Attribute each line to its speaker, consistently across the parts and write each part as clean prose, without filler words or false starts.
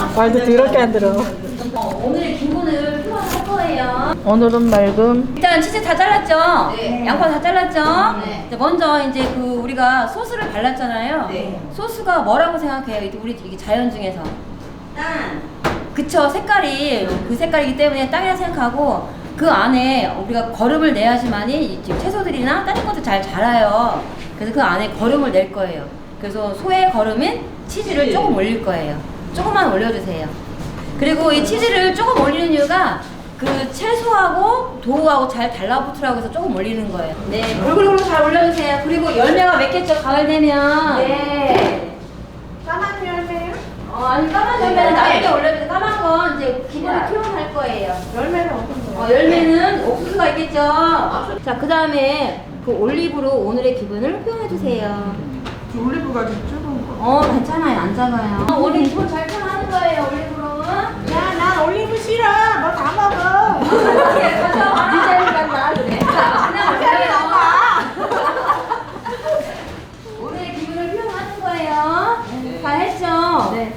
Speaker 1: 말도 더럽게 안 들어.
Speaker 2: 오늘의 기분을 표현할 거예요.
Speaker 1: 오늘은 맑음.
Speaker 2: 일단 치즈 다 잘랐죠?
Speaker 3: 네.
Speaker 2: 양파 다 잘랐죠?
Speaker 3: 네.
Speaker 2: 이제 먼저 이제 그 우리가 소스를 발랐잖아요.
Speaker 3: 네.
Speaker 2: 소스가 뭐라고 생각해요? 우리 이게 자연 중에서.
Speaker 3: 땅.
Speaker 2: 그쵸, 색깔이 그 색깔이기 때문에 땅이라 생각하고 그 안에 우리가 거름을 내야지만이 지금 채소들이나 다른 것도 잘 자라요. 그래서 그 안에 거름을 낼 거예요. 그래서 소의 거름인 치즈를
Speaker 3: 네.
Speaker 2: 조금 올릴 거예요. 조금만 올려주세요. 그리고 이 치즈를 조금 올리는 이유가 그 채소하고 도우하고 잘 달라붙으라고 해서 조금 올리는 거예요. 네, 골고루 잘 올려주세요. 그리고 열매가 맺겠죠, 가을 되면.
Speaker 3: 네. 까만 열매요?
Speaker 2: 아니 까만 열매는 나중에 올려주세요. 까만 건 이제 기본을 표현할 거예요.
Speaker 3: 열매는 어떤 거예요?
Speaker 2: 열매는 옥수수가 있겠죠. 자, 그 다음에 그 올리브로 오늘의 기분을 표현해주세요.
Speaker 3: 올리브가 좀 적은 거.
Speaker 2: 괜찮아요. 안 작아요. 올리브 잘 표현하는 거예요, 올리브로.
Speaker 3: 야, 난 올리브 싫어. 너 다 먹어.
Speaker 2: 디자인만 나 그래. 그냥 올려요. 오늘의 기분을 표현하는 거예요. 다 했죠? 네.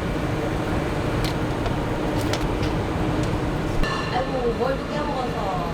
Speaker 2: 아이고, 뭘 또 깨먹어서.